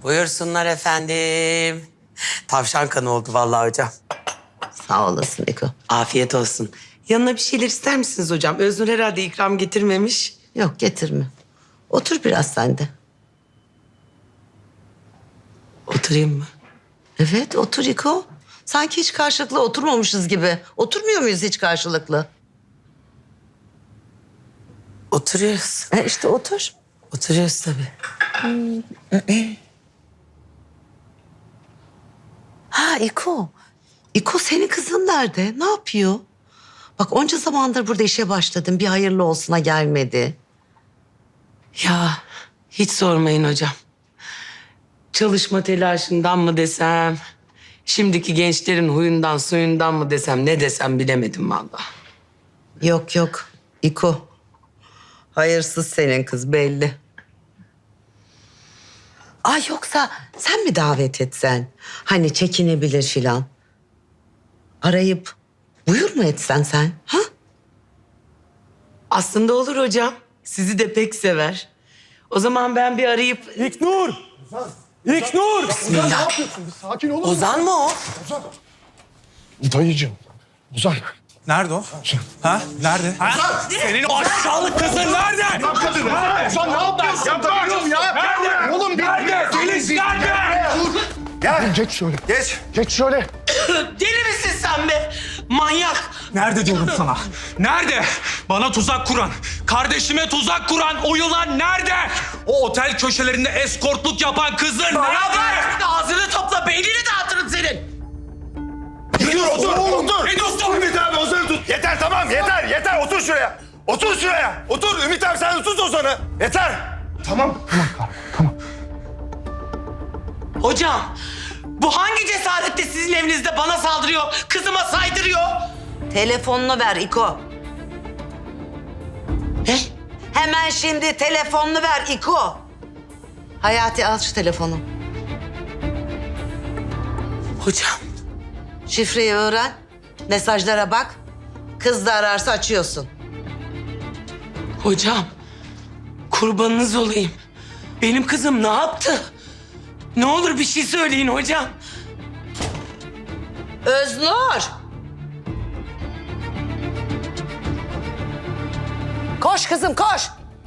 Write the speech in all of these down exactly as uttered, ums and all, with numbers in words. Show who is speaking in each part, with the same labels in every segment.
Speaker 1: Buyursunlar efendim. Tavşan kanı oldu vallahi hocam.
Speaker 2: Sağ olasın Eko.
Speaker 1: Afiyet olsun. Yanına bir şeyler ister misiniz hocam? Öznur herhalde ikram getirmemiş.
Speaker 2: Yok getirme. Otur biraz sen de.
Speaker 1: Oturayım mı?
Speaker 2: Evet otur İko. Sanki hiç karşılıklı oturmamışız gibi. Oturmuyor muyuz hiç karşılıklı?
Speaker 1: Oturuyoruz.
Speaker 2: E işte otur.
Speaker 1: Oturuyoruz tabii.
Speaker 2: Ha İko. İko senin kızın nerede? Ne yapıyor? Bak onca zamandır burada işe başladın. Bir hayırlı olsuna gelmedi.
Speaker 1: Ya hiç sormayın hocam. Çalışma telaşından mı desem... ...şimdiki gençlerin huyundan suyundan mı desem... ...ne desem bilemedim vallahi.
Speaker 2: Yok yok İko. Hayırsız senin kız belli. Ay yoksa sen mi davet etsen? Hani çekinebilir filan. Arayıp buyur mu etsen sen? Ha?
Speaker 1: Aslında olur hocam. Sizi de pek sever. O zaman ben bir arayıp...
Speaker 3: İlknur! İlknur!
Speaker 1: Bismillah.
Speaker 4: Ne yapıyorsun? Bir sakin olur musun?
Speaker 1: Ozan mı o?
Speaker 4: Dayıcığım. Ozan.
Speaker 3: Nerede o? Ha? Nerede? Ha? Senin o aşağılık kızın nerede?
Speaker 4: Kadın. Ozan ne yapıyorsun? Dayıcığım ya.
Speaker 3: Nerede?
Speaker 4: Oğlum bir...
Speaker 3: Nerede? Filiz nerede?
Speaker 4: Gel. Geç şöyle.
Speaker 3: Geç.
Speaker 4: Geç şöyle.
Speaker 1: Deli misin sen be? Manyak.
Speaker 3: Nerede diyorum sana? Nerede? Bana tuzak kuran, kardeşime tuzak kuran, o yılan nerede? O otel köşelerinde eskortluk yapan kızın nerede?
Speaker 1: Bak ağzını topla beynini dağıtırım senin.
Speaker 3: Dur, otur, otur.
Speaker 5: Ne diyorsun Ümit abi Ozan'ı tut. Yeter tamam yeter yeter otur şuraya. Otur şuraya. Otur Ümit abi sen de tut Ozan'ı. Yeter.
Speaker 4: Tamam. Tamam kardeşim. Tamam.
Speaker 1: Hocam bu hangi cesaretle sizin evinizde bana saldırıyor, kızıma saydırıyor?
Speaker 2: Telefonunu ver İko.
Speaker 1: He?
Speaker 2: Hemen şimdi telefonunu ver İko. Hayati al şu telefonu.
Speaker 1: Hocam.
Speaker 2: Şifreyi öğren. Mesajlara bak. Kız da ararsa açıyorsun.
Speaker 1: Hocam. Kurbanınız olayım. Benim kızım ne yaptı? Ne olur bir şey söyleyin hocam.
Speaker 2: Öznur. Koş kızım koş.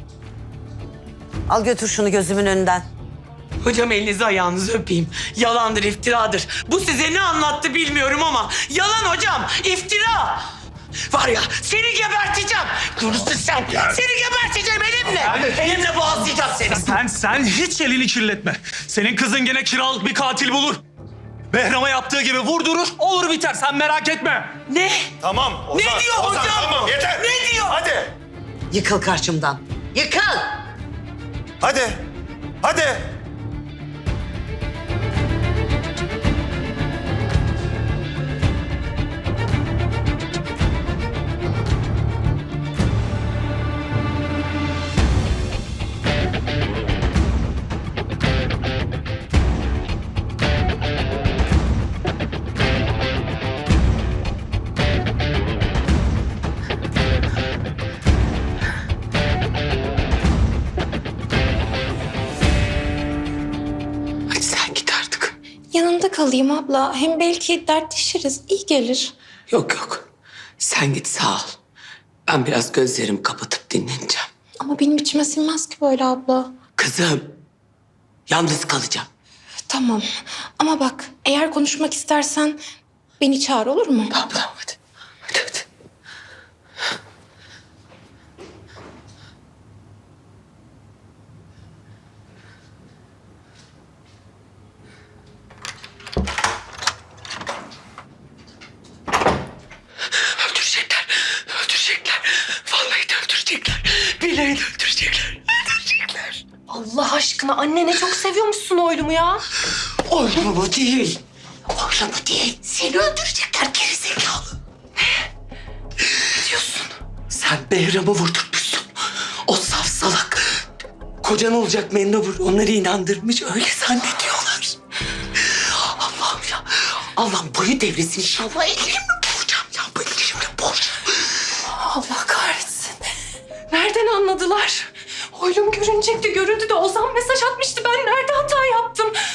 Speaker 2: Al götür şunu gözümün önünden.
Speaker 1: Hocam elinizi ayağınızı öpeyim. Yalandır, iftiradır. Bu size ne anlattı bilmiyorum ama yalan hocam, iftira. Var ya seni geberteceğim. Görürsün sen. Seni geberteceğim elimle. Elimle boğazlayacağım seni.
Speaker 3: Sen, sen hiç elini kirletme. Senin kızın gene kiralık bir katil bulur. Behram'a yaptığı gibi vurdurur, olur biter. Sen merak etme.
Speaker 1: Ne?
Speaker 5: Tamam Ozan.
Speaker 1: Ne diyor
Speaker 5: Ozan,
Speaker 1: hocam?
Speaker 5: Tamam yeter.
Speaker 1: Ne diyor?
Speaker 5: Hadi.
Speaker 2: Yıkıl karşımdan. Yıkıl.
Speaker 5: Hadi. Hadi.
Speaker 1: Hadi sen git artık.
Speaker 6: Yanında kalayım abla. Hem belki dertleşiriz. İyi gelir.
Speaker 1: Yok yok. Sen git sağ ol. Ben biraz gözlerimi kapatıp dinleneceğim.
Speaker 6: Ama benim içime sinmez ki böyle abla.
Speaker 1: Kızım. Yalnız kalacağım.
Speaker 6: Tamam. Ama bak eğer konuşmak istersen beni çağır olur mu?
Speaker 1: Tamam tamam hadi. Hadi hadi. Öldürecekler. Öldürecekler. Vallahi de öldürecekler. Billahi de öldürecekler. Öldürecekler.
Speaker 6: Allah aşkına anne ne çok seviyormuşsun oylumu ya.
Speaker 1: Oyunu bu değil. Oyunu bu değil. Seni öldürecekler gerizekalı. Ne diyorsun? Sen Behram'ı vurdurmuşsun. O saf salak. Kocan olacak Mendebur onları inandırmış. Öyle zannediyorlar. Allah'ım ya. Allah'ım boyu devresin inşallah. Elimle boğacağım ya. Bu elimle boğacağım.
Speaker 6: Allah kahretsin. Nereden anladılar? Oylum görünecekti. Görüldü de Ozan mesaj atmıştı. Ben nerede hata yaptım?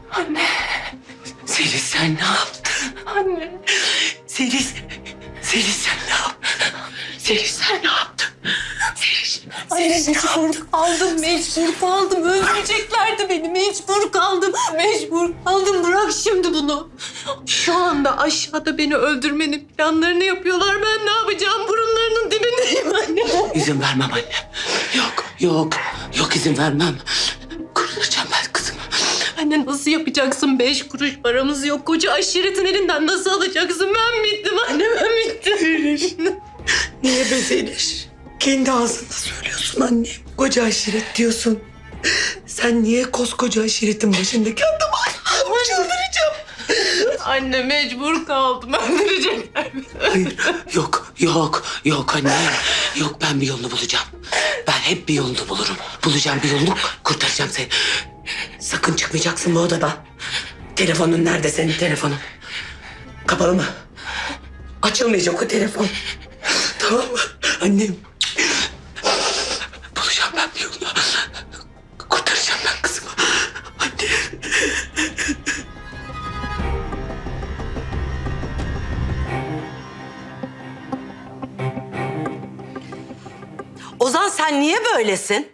Speaker 1: Anne. Selin sen ne yaptın? Anne. Selin, Selin sen ne yaptın? Selin sen ne yaptın? Selin,
Speaker 7: Anne mecbur kaldım, mecbur kaldım. Öldüreceklerdi beni, mecbur kaldım. Mecbur kaldım, bırak şimdi bunu. Şu anda aşağıda beni öldürmenin planlarını yapıyorlar. Ben ne yapacağım? Burunlarının dibindeyim anne.
Speaker 1: İzin vermem annem. Yok, yok, yok izin vermem. Kurtaracağım ben kızımı.
Speaker 7: Anne nasıl yapacaksın? Beş kuruş paramız yok. Koca aşiretin elinden nasıl alacaksın? Ben bittim anne, ben bittim.
Speaker 1: Niye be Zeliş? Kendi ağzında söylüyorsun annem. Koca aşiret diyorsun. Sen niye koskoca aşiretin başındaki adamı Allah'ım çıldıracağım.
Speaker 7: Anne mecbur kaldım. Öldürecekler beni.
Speaker 1: Hayır, yok, yok, yok anne. Yok ben bir yolunu bulacağım. Ben hep bir yolunu bulurum. Bulacağım bir yolunu, kurtaracağım seni. Sakın çıkmayacaksın bu odadan. Telefonun nerede senin telefonun? Kapalı mı? Açılmayacak o telefon. Tamam mı? Annem. Bulacağım ben bir yolunu. Kurtaracağım ben kızımı. Anne.
Speaker 2: Ozan sen niye böylesin?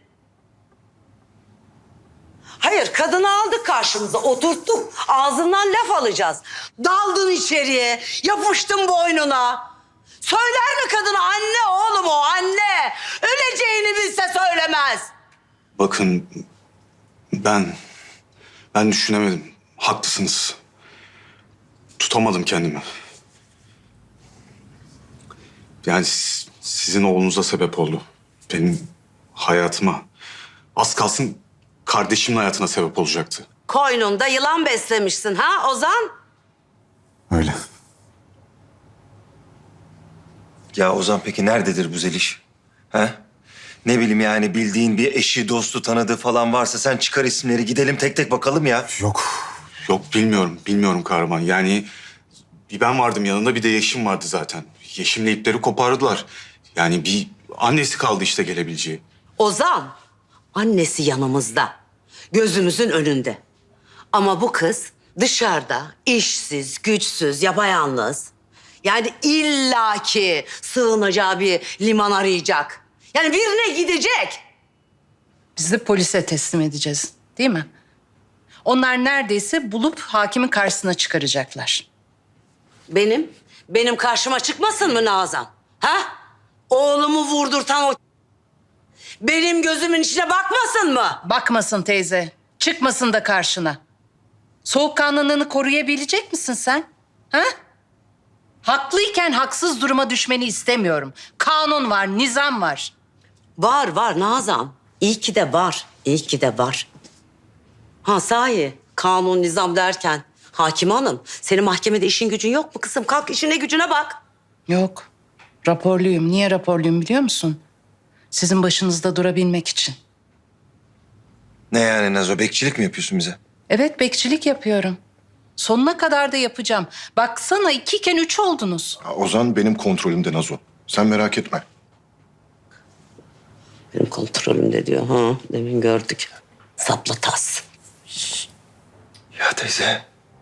Speaker 2: Hayır, kadını aldık karşımıza, oturttuk. Ağzından laf alacağız. Daldın içeriye, yapıştın boynuna. Söyler mi kadına anne oğlum o anne? Öleceğini bilse söylemez.
Speaker 8: Bakın ben ben düşünemedim. Haklısınız. Tutamadım kendimi. Yani siz- sizin oğlunuza sebep oldu. Benim hayatıma, az kalsın kardeşimin hayatına sebep olacaktı.
Speaker 2: Koynunda yılan beslemişsin ha Ozan?
Speaker 8: Öyle.
Speaker 5: Ya Ozan peki nerededir bu Zeliş? He? Ne bileyim yani bildiğin bir eşi, dostu, tanıdığı falan varsa sen çıkar isimleri gidelim tek tek bakalım ya.
Speaker 8: Yok, yok bilmiyorum, bilmiyorum kahraman. Yani bir ben vardım yanında, bir de Yeşim vardı zaten. Yeşim'le ipleri kopardılar. Yani bir annesi kaldı işte gelebileceği.
Speaker 2: Ozan, annesi yanımızda. Gözümüzün önünde. Ama bu kız dışarıda işsiz, güçsüz, yapayalnız. Yani illaki sığınacağı bir liman arayacak. Yani birine gidecek.
Speaker 9: Biz de polise teslim edeceğiz, değil mi? Onlar neredeyse bulup hakimin karşısına çıkaracaklar.
Speaker 2: Benim, benim karşıma çıkmasın mı Nazan? Ha? Oğlumu vurdurtan o... Benim gözümün içine bakmasın mı?
Speaker 9: Bakmasın teyze, çıkmasın da karşına. Soğukkanlılığını koruyabilecek misin sen? Ha? Haklıyken haksız duruma düşmeni istemiyorum. Kanun var, nizam var.
Speaker 2: Var var Nazan. İyi ki de var. İyi ki de var. Ha sahi kanun nizam derken hakim hanım senin mahkemede işin gücün yok mu kızım? Kalk işine gücüne bak.
Speaker 9: Yok, raporluyum. Niye raporluyum biliyor musun? Sizin başınızda durabilmek için.
Speaker 5: Ne yani Nazo, bekçilik mi yapıyorsun bize?
Speaker 9: Evet, bekçilik yapıyorum. Sonuna kadar da yapacağım. Baksana ikiyken üç oldunuz.
Speaker 4: Ya Ozan benim kontrolümde Nazo. Sen merak etme.
Speaker 2: Benim kontrolümde diyor. Ha demin gördük. Sapla tas.
Speaker 5: Ya teyze.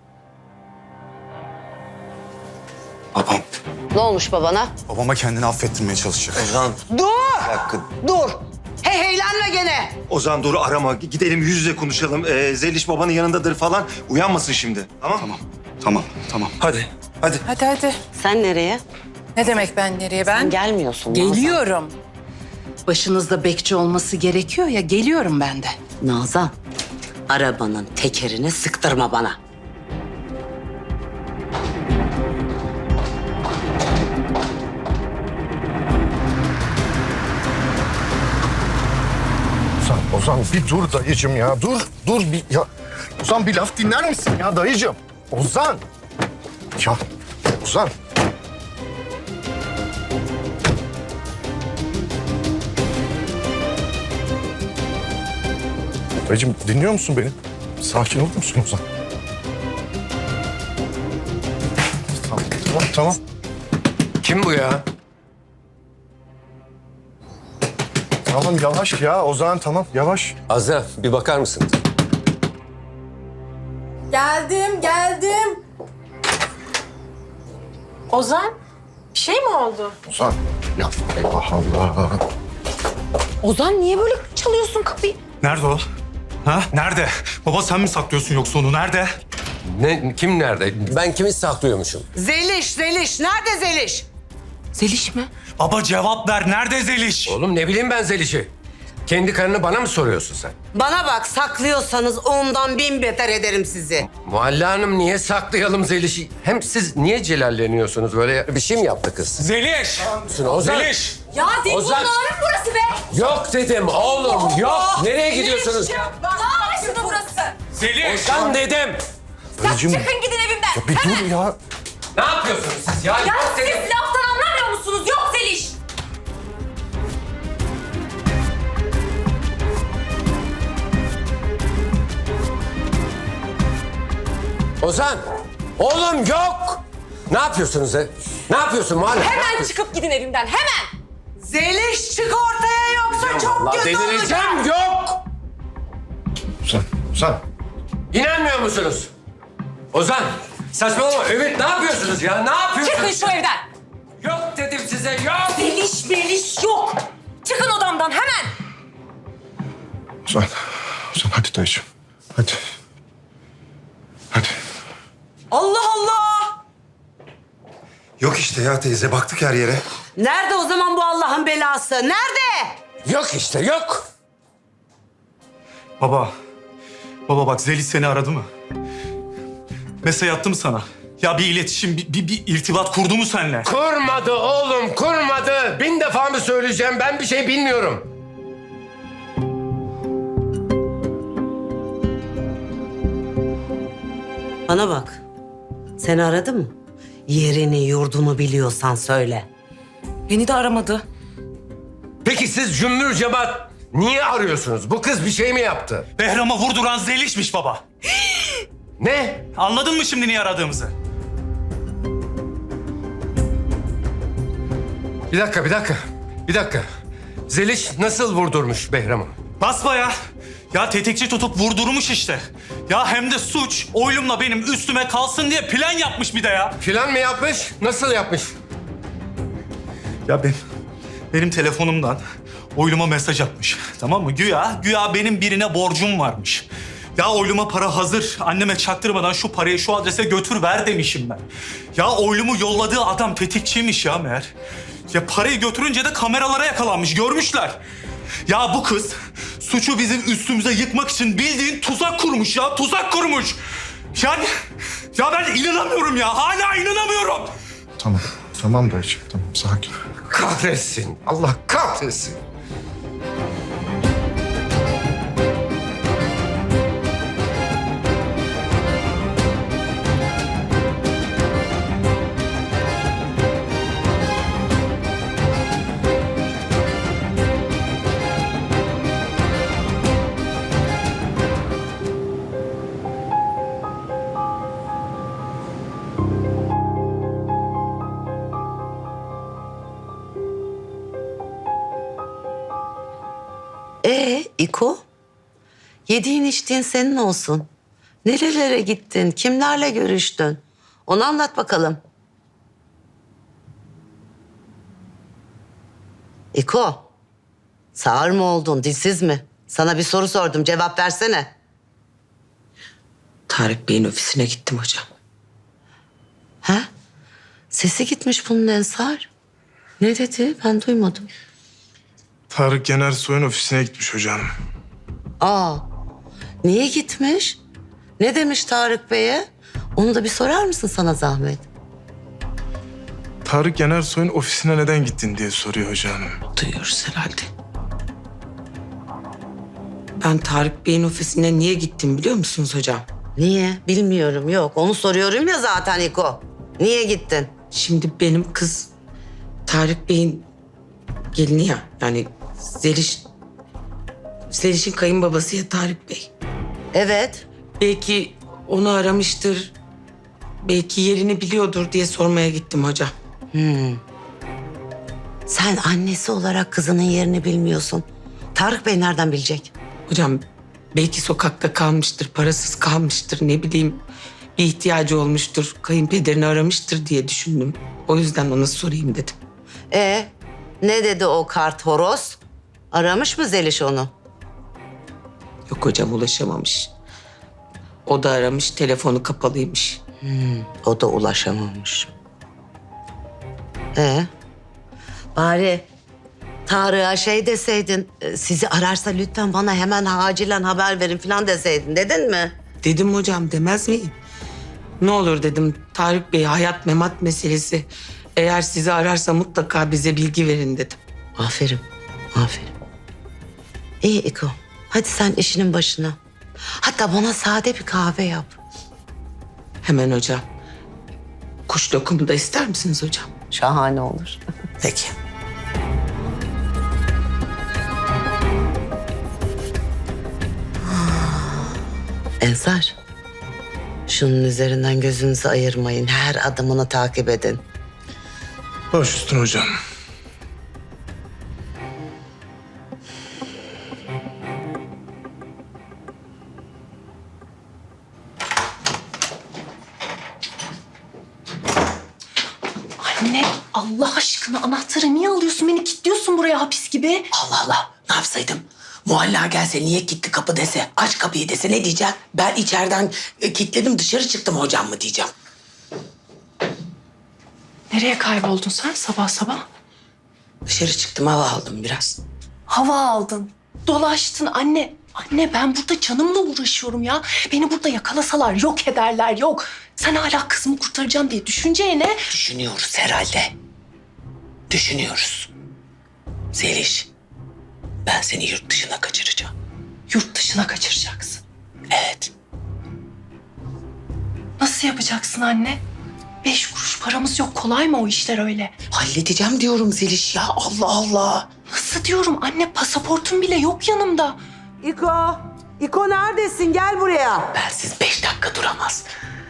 Speaker 8: Babam,
Speaker 2: Ne olmuş babana?
Speaker 8: babama kendini affettirmeye çalışacak.
Speaker 5: Ozan.
Speaker 2: Dur!
Speaker 5: Bir dakika.
Speaker 2: Dur! Hey heylenme gene.
Speaker 5: Ozan dur arama. Gidelim yüz yüze konuşalım. Ee, Zeliş babanın yanındadır falan. Uyanmasın şimdi. Tamam?
Speaker 8: Tamam, tamam, tamam.
Speaker 5: Hadi. Hadi.
Speaker 9: Hadi hadi.
Speaker 2: Sen nereye?
Speaker 9: Ne demek ben nereye? Ben
Speaker 2: Sen gelmiyorsun Nazan.
Speaker 9: geliyorum. Başınızda bekçi olması gerekiyor ya, geliyorum ben de.
Speaker 2: Nazan, arabanın tekerini sıktırma bana.
Speaker 4: Ozan, Ozan bir dur dayıcım ya. Dur, dur bir ya. Ozan bir laf dinler misin ya dayıcım? Ozan. Ya Ozan. Dayıcım dinliyor musun beni? Sakin olur musun Ozan? Tamam, tamam, tamam.
Speaker 5: Kim bu ya?
Speaker 4: Tamam yavaş ya Ozan tamam yavaş.
Speaker 10: Azra bir bakar mısın?
Speaker 7: Geldim, geldim. Ozan, bir şey mi oldu?
Speaker 4: Ozan. Ya Allah Allah.
Speaker 6: Ozan niye böyle çalıyorsun kapıyı?
Speaker 3: Nerede o? Ha? Nerede? Baba sen mi saklıyorsun yoksa onu? Nerede?
Speaker 10: Ne, kim nerede? Ben kimi saklıyormuşum?
Speaker 2: Zeliş, Zeliş. Nerede Zeliş?
Speaker 7: Zeliş mi?
Speaker 3: Baba cevap ver. Nerede Zeliş?
Speaker 10: Oğlum ne bileyim ben Zeliş'i. Kendi karını bana mı soruyorsun sen?
Speaker 2: Bana bak, saklıyorsanız ondan bin beter ederim sizi.
Speaker 10: Muhalle Hanım niye saklayalım Zeliş'i? Hem siz niye celalleniyorsunuz böyle? Bir şey mi yaptı kız?
Speaker 3: Zeliş!
Speaker 10: Ozan.
Speaker 3: Zeliş!
Speaker 7: Ya değil
Speaker 10: Ozan.
Speaker 7: bunların burası be.
Speaker 10: Yok dedim oğlum yok. Nereye gidiyorsunuz?
Speaker 7: Dağ başında burası.
Speaker 3: Zeliş!
Speaker 10: Ozan dedim.
Speaker 4: Dayıcığım.
Speaker 7: Çıkın gidin evimden.
Speaker 4: Ya bir dur ya.
Speaker 10: Ne yapıyorsunuz siz ya?
Speaker 7: Ya
Speaker 10: Yok
Speaker 7: siz
Speaker 10: dedim.
Speaker 7: laftan anlamıyor musunuz? Yok Zeliş.
Speaker 10: Ozan. Oğlum yok. Ne yapıyorsunuz he? Ne yapıyorsun Muhalle? Ne
Speaker 7: Hemen
Speaker 10: yapıyorsun?
Speaker 7: çıkıp gidin evimden. Hemen.
Speaker 2: Zeliş çık ortaya yoksa çok
Speaker 10: Allah
Speaker 2: kötü olacak.
Speaker 10: delireceğim yok.
Speaker 4: Ozan. Ozan.
Speaker 10: İnanmıyor musunuz? Ozan saçmalama. Ümit ne yapıyorsunuz ya? Ne yapıyorsunuz?
Speaker 7: Çıkın şu evden.
Speaker 10: Yok dedim size yok.
Speaker 7: Zeliş beliş yok. Çıkın odamdan hemen.
Speaker 4: Ozan. Ozan hadi dayıcığım. Hadi. Hadi.
Speaker 2: Allah Allah!
Speaker 5: Yok işte ya teyze baktık her yere.
Speaker 2: Nerede o zaman bu Allah'ın belası? Nerede?
Speaker 10: Yok işte yok.
Speaker 3: Baba. Baba bak Zeliş seni aradı mı? Mesaj attı mı sana? Ya bir iletişim, bir, bir, bir irtibat kurdu mu seninle?
Speaker 10: Kurmadı oğlum kurmadı. Bin defa mı söyleyeceğim ben bir şey bilmiyorum.
Speaker 2: Bana bak. Seni aradı mı? Yerini, yurdunu biliyorsan söyle.
Speaker 7: Beni de aramadı.
Speaker 10: Peki siz cümbür cemaat niye arıyorsunuz? Bu kız bir şey mi yaptı?
Speaker 3: Behram'a vurduran Zeliş'miş baba.
Speaker 10: Ne?
Speaker 3: Anladın mı şimdi niye aradığımızı?
Speaker 10: Bir dakika bir dakika. Bir dakika. Zeliş nasıl vurdurmuş Behram'ı?
Speaker 3: Basbaya. Ya tetikçi tutup vurdurmuş işte. Ya hem de suç oylumla benim üstüme kalsın diye plan yapmış bir de ya.
Speaker 10: Plan mı yapmış? Nasıl yapmış?
Speaker 3: Ya ben, benim telefonumdan oyluma mesaj atmış. Tamam mı? Güya, güya benim birine borcum varmış. Ya oyluma para hazır. Anneme çaktırmadan şu parayı şu adrese götür ver demişim ben. Ya oylumu yolladığı adam tetikçiymiş ya meğer. Ya parayı götürünce de kameralara yakalanmış. Görmüşler. Ya bu kız suçu bizim üstümüze yıkmak için bildiğin tuzak kurmuş ya. Tuzak kurmuş. Yani ya ben inanamıyorum ya. Hala inanamıyorum.
Speaker 4: Tamam. Tamam dayıcığım. Tamam sakin.
Speaker 10: Kahretsin. Allah kahretsin.
Speaker 2: Ee İko? Yediğin içtiğin senin olsun. Nerelere gittin? Kimlerle görüştün? Onu anlat bakalım. İko, sağır mı oldun, dilsiz mi? Sana bir soru sordum, cevap versene.
Speaker 1: Tarık Bey'in ofisine gittim hocam.
Speaker 2: Ha? Sesi gitmiş bunun Ensar. Ne dedi? Ben duymadım.
Speaker 11: Tarık Yener Soy'un ofisine gitmiş hocam.
Speaker 2: Aa, niye gitmiş? Ne demiş Tarık Bey'e? Onu da bir sorar mısın sana zahmet?
Speaker 11: Tarık Yener Soy'un ofisine neden gittin diye soruyor hocam.
Speaker 1: Duyuyoruz herhalde. Ben Tarık Bey'in ofisine niye gittim biliyor musunuz hocam?
Speaker 2: Niye? Bilmiyorum, yok. Onu soruyorum ya zaten İko. Niye gittin?
Speaker 1: Şimdi benim kız Tarık Bey'in gelini ya. Yani Zeliş... Zeliş'in kayınbabası ya Tarık Bey.
Speaker 2: Evet.
Speaker 1: Belki onu aramıştır. Belki yerini biliyordur diye sormaya gittim hocam.
Speaker 2: Sen annesi olarak kızının yerini bilmiyorsun. Tarık Bey nereden bilecek?
Speaker 1: Hocam Belki sokakta kalmıştır, parasız kalmıştır, ne bileyim. Bir ihtiyacı olmuştur, kayınpederini aramıştır diye düşündüm. O yüzden ona sorayım dedim.
Speaker 2: E ne dedi o kart horoz? Aramış mı Zeliş onu?
Speaker 1: Yok hocam, ulaşamamış. O da aramış, telefonu kapalıymış.
Speaker 2: O da ulaşamamış. E bari Tarık'a şey deseydin, e, sizi ararsa lütfen bana hemen acilen haber verin falan deseydin, dedin mi?
Speaker 1: Dedim hocam, demez miyim? Ne olur dedim, Tarık Bey hayat memat meselesi. Eğer sizi ararsa mutlaka bize bilgi verin dedim.
Speaker 2: Aferin, aferin. İyi İko, hadi sen işinin başına. Hatta bana sade bir kahve yap.
Speaker 1: Hemen hocam. Kuş lokumu da ister misiniz hocam?
Speaker 2: Şahane olur.
Speaker 1: Peki.
Speaker 2: Ensar, şunun üzerinden gözünüzü ayırmayın. Her adımını takip edin.
Speaker 11: Baş üstüne hocam.
Speaker 7: Anne Allah aşkına anahtarı niye alıyorsun? Beni kilitliyorsun buraya hapis gibi.
Speaker 1: Allah Allah, ne yapsaydım? Muhalla gelse, niye kilitli kapı dese, aç kapıyı dese ne diyeceğim? Ben içeriden e, kilitledim, dışarı çıktım hocam mı diyeceğim?
Speaker 7: Nereye kayboldun sen sabah sabah?
Speaker 1: Dışarı çıktım, hava aldım biraz.
Speaker 7: Hava aldın, dolaştın anne. Anne ben burada canımla uğraşıyorum ya. Beni burada yakalasalar yok ederler yok. Sen hala kızımı kurtaracağım diye düşüneceğine...
Speaker 1: Düşünüyoruz herhalde. Düşünüyoruz. Zeliş, ben seni yurt dışına kaçıracağım.
Speaker 7: Yurt dışına kaçıracaksın.
Speaker 1: Evet.
Speaker 7: Nasıl yapacaksın anne? Beş kuruş paramız yok. Kolay mı o işler öyle?
Speaker 1: Halledeceğim diyorum Zeliş ya, Allah Allah.
Speaker 7: Nasıl diyorum anne? Pasaportum bile yok yanımda.
Speaker 2: İko, İko neredesin? Gel buraya.
Speaker 1: Bensiz beş dakika duramaz.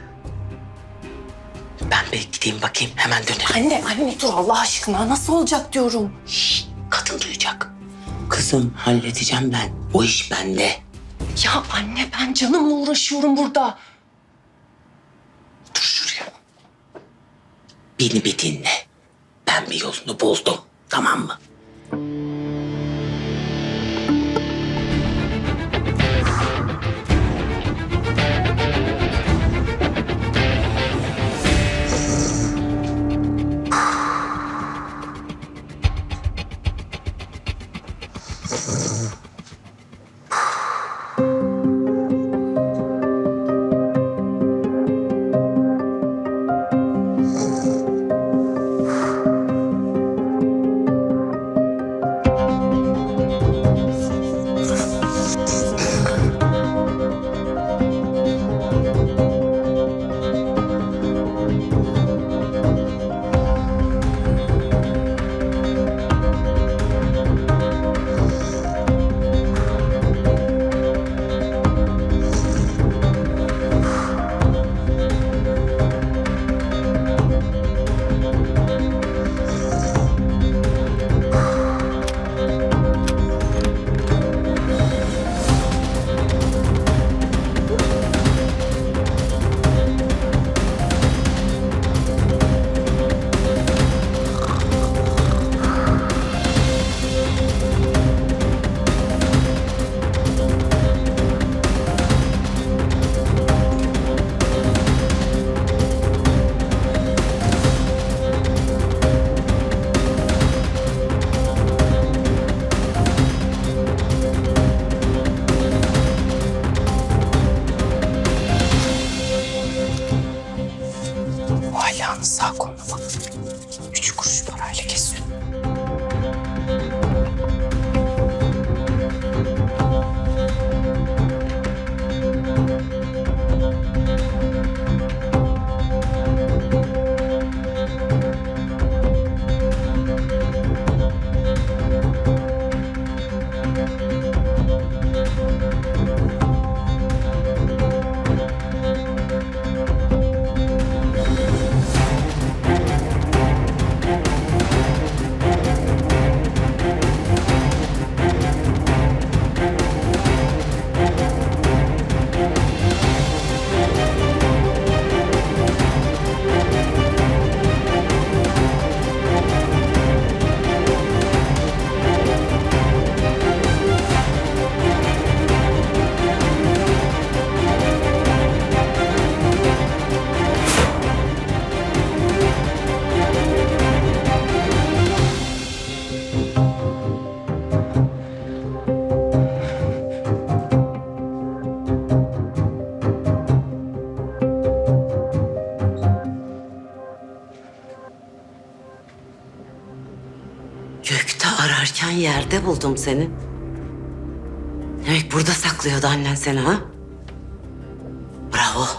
Speaker 1: Ben bir gideyim bakayım, hemen dönerim.
Speaker 7: Anne, anne dur Allah aşkına. Nasıl olacak diyorum.
Speaker 1: Şşş, kadın duyacak. Kızım, halledeceğim ben. O iş bende.
Speaker 7: Ya anne ben canımla uğraşıyorum burada.
Speaker 1: Dur şuraya. Beni bir dinle. Ben bir yolunu buldum, tamam mı?
Speaker 2: yerde buldum seni. Demek burada saklıyordu annen seni ha? Bravo.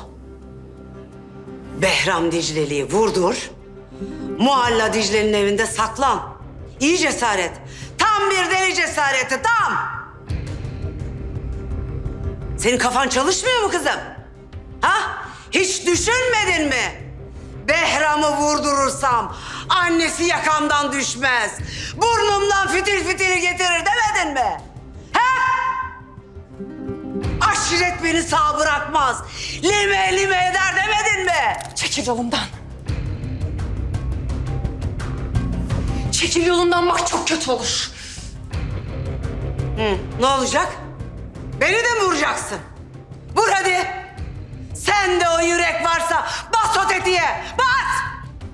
Speaker 2: Behram Dicle'liyi vurdur. Muhalla Dicle'nin evinde saklan. İyi cesaret. Tam bir deli cesareti, tam. Senin kafan çalışmıyor mu kızım? Ha? Hiç düşünmedin mi? Behram'ı vurdurursam annesi yakamdan düşmez. Burnumdan fitil fitili getirir demedin mi? Ha? Aşiret beni sağ bırakmaz. Lime lime eder demedin mi?
Speaker 6: Çekil yolumdan. Çekil yolumdan, bak çok kötü olur.
Speaker 2: Hı, ne olacak? Beni de mi vuracaksın? Vur hadi. Sende o yürek varsa bas o tetiğe. Bas!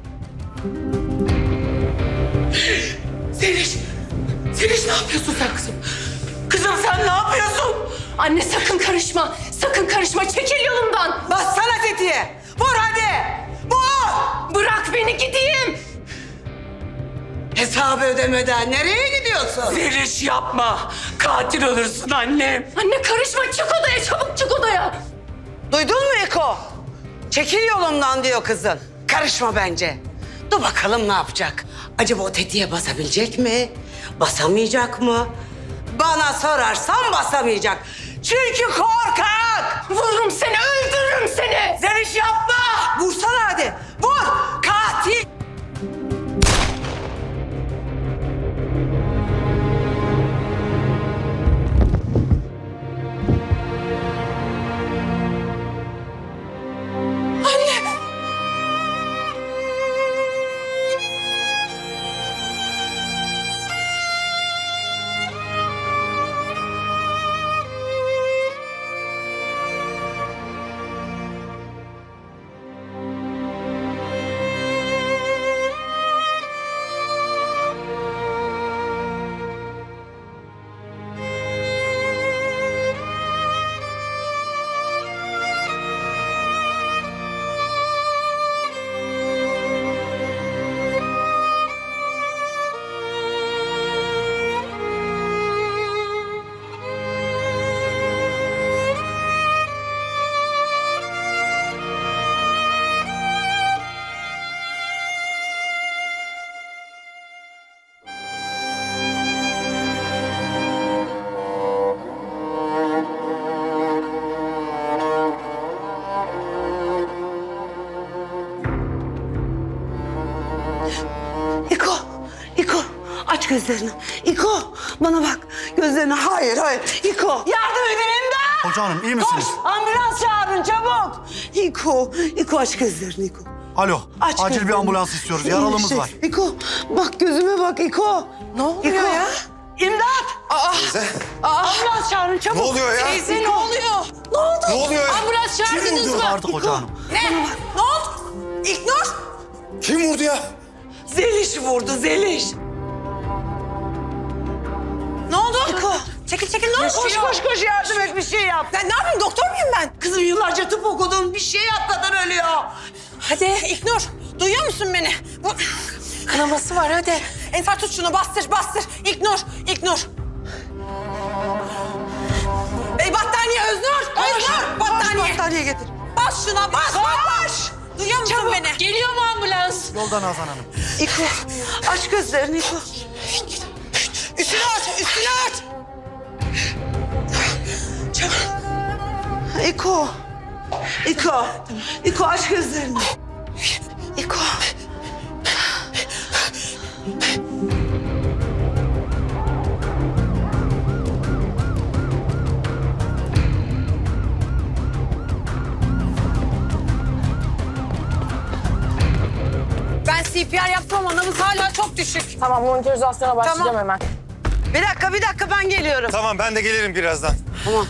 Speaker 7: Zeliş! Zeliş ne yapıyorsun sen kızım? Kızım sen ne yapıyorsun?
Speaker 6: Anne sakın karışma. Sakın karışma. Çekil yolumdan.
Speaker 2: Bassana tetiğe. Vur hadi. Vur!
Speaker 6: Bırak beni gideyim.
Speaker 2: Hesabı ödemeden nereye gidiyorsun?
Speaker 7: Zeliş yapma. Katil olursun annem.
Speaker 6: Anne karışma. Çık odaya. Çabuk çık odaya.
Speaker 2: Duydun mu Eko? Çekil yolumdan diyor kızın. Karışma bence. Dur bakalım ne yapacak? Acaba o tetiğe basabilecek mi? Basamayacak mı? Bana sorarsan basamayacak. Çünkü korkak.
Speaker 6: Vururum seni. Öldürürüm seni.
Speaker 2: Zeliş yapma. Vursana hadi. Vur. Katil. İko, İko aç gözlerini. İko bana bak gözlerini. Hayır, hayır. İko yardım edin, imdat.
Speaker 4: Hoca hanım iyi misiniz?
Speaker 2: Koş, ambulans çağırın çabuk. İko, İko aç gözlerini İko.
Speaker 4: Alo,
Speaker 2: Aç
Speaker 4: acil
Speaker 2: gözlerini.
Speaker 4: bir ambulans istiyoruz. Yaralımız
Speaker 2: Şey,
Speaker 4: var.
Speaker 2: İko bak gözüme bak İko.
Speaker 7: Ne oluyor
Speaker 2: İko.
Speaker 7: ya?
Speaker 2: İmdat.
Speaker 5: Teyze.
Speaker 2: Ambulans çağırın çabuk.
Speaker 5: Ne oluyor ya?
Speaker 7: Teyze ne oluyor? Ne oldu?
Speaker 5: Ne oluyor ya?
Speaker 7: Ambulans çağırdınız mı?
Speaker 4: Artık hoca hanım.
Speaker 7: Ne? Ne oldu? İlknur!
Speaker 5: Kim vurdu ya?
Speaker 2: Zeliş vurdu Zeliş.
Speaker 7: Ne oldu? İko. Çekil çekil ne oldu?
Speaker 2: Koş koş koş yardım et bir şey yap.
Speaker 7: Ben ne yapayım, doktor muyum ben?
Speaker 2: Kızım yıllarca tıp okudun bir şey yap kadın ölüyor.
Speaker 7: Hadi İlknur, duyuyor musun beni? Bu... Kanaması var hadi. Ensar tut şunu, bastır bastır. İlknur, İlknur. Ey battaniye Öznur, Öznur battaniye.
Speaker 2: Battaniye getir.
Speaker 7: Bas şuna bas, bas. Duyuyor musun beni? Geliyor mu ambulans?
Speaker 4: Yolda Nazan Hanım.
Speaker 2: İko aç gözlerini İko.
Speaker 7: Üstünü aç, üstünü aç. Çabuk.
Speaker 2: İko. İko. İko aç gözlerini. İko.
Speaker 7: Ben C P R yaptım ama nabız hala çok düşük.
Speaker 6: Tamam, monitorizasyona başlayacağım
Speaker 7: Tamam.
Speaker 6: hemen.
Speaker 2: Bir dakika bir dakika ben geliyorum.
Speaker 5: Tamam ben de gelirim birazdan.
Speaker 2: Tamam.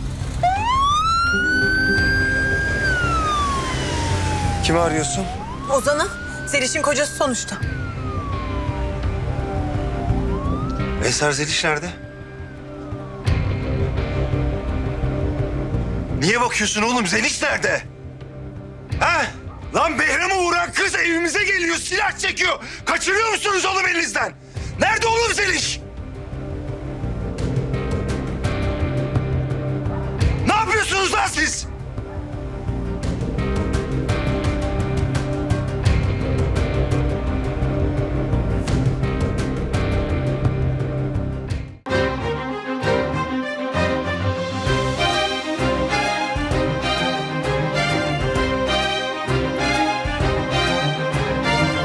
Speaker 5: Kimi arıyorsun?
Speaker 7: Ozan'ı, Zeliş'in kocası sonuçta.
Speaker 5: Eser Zeliş nerede? Niye bakıyorsun oğlum? Zeliş nerede? Ha? Lan Behram'ı vuran kız evimize geliyor, silah çekiyor. Kaçırıyor musunuz oğlum elinizden? Nerede oğlum Zeliş?